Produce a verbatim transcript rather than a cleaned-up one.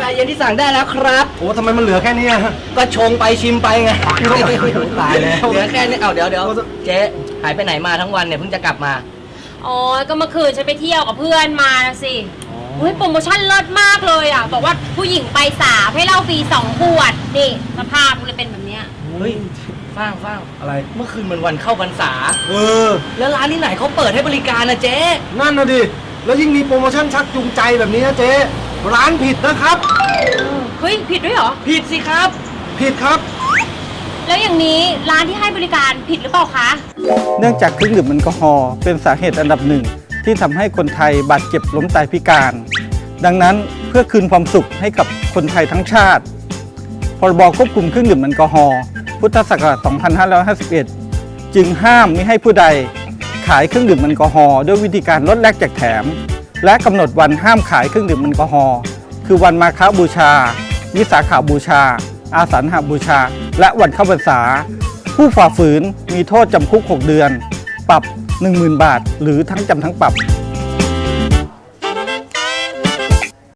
เย็นที่สั่งได้แล้วครับโอ้ทำไมมันเหลือแค่นี้อะก็ชงไปชิมไปไงตายแล้วเหลือแค่นี้เอาเดี๋ยวเดี๋ยวเจ๊หายไปไหนมาทั้งวันเนี่ยเพิ่งจะกลับมาอ๋อก็เมื่อคืนฉันไปเที่ยวกับเพื่อนมาสิเฮ้ยโปรโมชั่นเลิศมากเลยอ่ะบอกว่าผู้หญิงไปสามให้เหล้าฟรีสองขวดนี่สภาพมันเลยเป็นแบบเนี้ยเฮ้ยฟ้างฟ้างอะไรเมื่อคืนมันวันเข้าพรรษาเออแล้วร้านที่ไหนเขาเปิดให้บริการนะเจ๊นั่นนะดิแล้วยิ่งมีโปรโมชั่นชักจูงใจแบบนี้นะเจ๊ร้านผิดนะครับเฮ้ยผิดด้วยเหรอผิดสิครับผิดครับแล้วอย่างนี้ร้านที่ให้บริการผิดหรือเปล่าคะเนื่องจากเครื่องดื่มแอลกอฮอล์เป็นสาเหตุอันดับหนึ่งที่ทำให้คนไทยบาดเจ็บล้มตายพิการดังนั้นเพื่อคืนความสุขให้กับคนไทยทั้งชาติพรบควบคุมเครื่องดื่มแอลกอฮอล์พุทธศักราช สองพันห้าร้อยห้าสิบเอ็ด จึงห้ามมิให้ผู้ใดขายเครื่องดื่มแอลกอฮอล์ด้วยวิธีการลดแลกแจกแถมและกำหนดวันห้ามขายเครื่องดื่มแอลกอฮอล์คือวันมาฆบูชาวิสาขบูชาอาสันหบูชาและวันเข้าพรรษาผู้ฝ่าฝืนมีโทษจำคุกหกเดือนปรับ หนึ่งหมื่น บาทหรือทั้งจำทั้งปรับ